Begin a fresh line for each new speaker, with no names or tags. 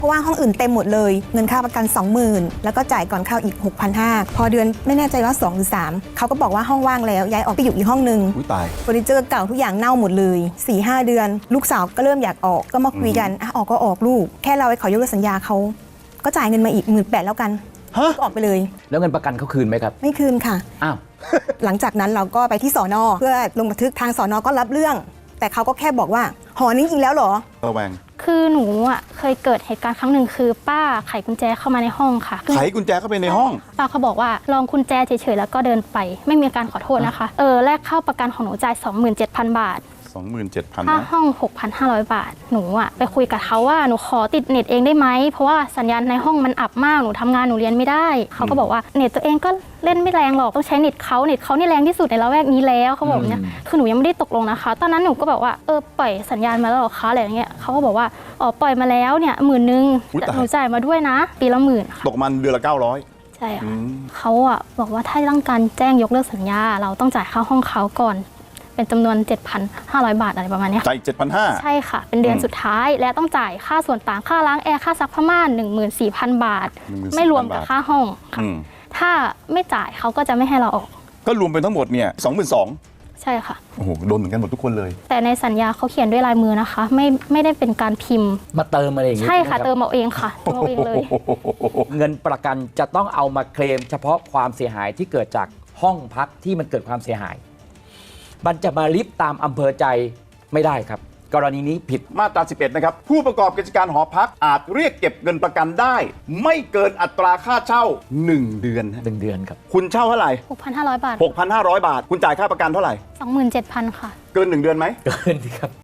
เพราะว่าห้องอื่นเต็มหมดเลยเงินค่าประกัน 20,000แล้วก็จ่ายก่อนเข้าอีก 6,500 พอเดือนไม่แน่ใจว่า2หรือ3เขาก็บอกว่าห้องว่างแล้วย้ายออกไปอยู่อีกห้องนึง
ตาย
เฟอร์นิเจอร์เก่าทุกอย่างเน่าหมดเลย 4-5 เดือน ลูกสาวก็เริ่มอยากออกก็มาคุยกันออกก็ออกลูกแค่เราไปขอยกเลิกสัญญาเขาก็จ่ายเงินมาอีก 18,000แล้วกันก็ออกไปเลย
แล้วเงินประกันเขาคืนไหมครับ
ไม่คืนค่ะ
อ้าว
หลังจากนั้นเราก็ไปที่สน.เพื่อลงบันทึกทางสน.ก็รับเรื่อง แต่เขาก็แค่บอกว่าหอนี้อีกแล้วเหรอ
ระแวง
คือหนูอ่ะเคยเกิดเหตุการณ์ครั้งหนึ่งคือป้าไขกุญแจเข้ามาในห้องค่ะ
ไขกุญแจเข้าไปในห้อง
ป้าเขาบอกว่าลองกุญแจเฉยๆแล้วก็เดินไปไม่มีการขอโทษนะคะแลกเข้าประกันของหนูจ่าย 27,000 บาท
27,000
ค่า
นะ
ห้อง 6,500 บาทหนูอ่ะไปคุยกับเขาว่าหนูขอติดเน็ตเองได้ไหมเพราะว่าสัญญาณในห้องมันอับมากหนูทำงานหนูเรียนไม่ได้เขาก็บอกว่าเน็ตตัวเองก็เล่นไม่แรงหรอกต้องใช้เน็ตเขานี่แรงที่สุดในละแวกนี้แล้วเขาบอกเนี่ยคือหนูยังไม่ได้ตกลงนะคะตอนนั้นหนูก็บอกว่าปล่อยสัญญาณมาแล้วหรอคะอะไรอย่างเงี้ยเขาก็บอกว่าปล่อยมาแล้วเนี่ย10,000แต่หนูจ่ายมาด้วยนะปีละ10,000
ตกมันเดือนละ900
ใช่ค่ะเขาอ่ะบอกว่าถ้าต้องการแจ้งยกเลิกสัญญาเราต้องจ่ายค่าห้องเขาก่อนเป็นจำนวน 7,500 บาทอะไรประมาณนี้
จ่าย7,500
ใช่ค่ะเป็นเดือนสุดท้ายและต้องจ่ายค่าส่วนต่างค่าล้างแอร์ค่าซักผ้าม่าน 14,000 บาท ไม่รวมกับค่าห้องค่ะถ้าไม่จ่ายเขาก็จะไม่ให้เราออก
ก็รวมเป็นทั้งหมดเนี่ย 22,000
ใช่ค่ะ
โอ้โหโดนเหมือนกันหมดทุกคนเลย
แต่ในสัญญาเขาเขียนด้วยลายมือนะคะไม่ได้เป็นการพิมพ์
มาเติมอะไรอย่างงี้
ใช่ค่ะ
ไหรับ
เติมเอาเองค่ะเติมเอาเองเลย
เงินประกันจะต้องเอามาเคลมเฉพาะความเสียหายที่เกิดจากห้องพักที่มันเกิดความเสียหาย มันจะมาลิฟต์ตามอำเภอใจไม่ได้ครับ กรณีนี้ผิด
มาตรา 11 นะครับ ผู้ประกอบกิจการหอพักอาจเรียกเก็บเงินประกันได้ ไม่เกินอัตราค่าเช่า 1 เดือนฮะ
1 เดือนครับ
คุณเช่าเท่าไหร่
6,500 บาท
6,500 บาท คุณจ่ายค่าประกันเท่าไหร่
27,000 ค่ะ
เกิน 1 เดือนไหม
เกินครับ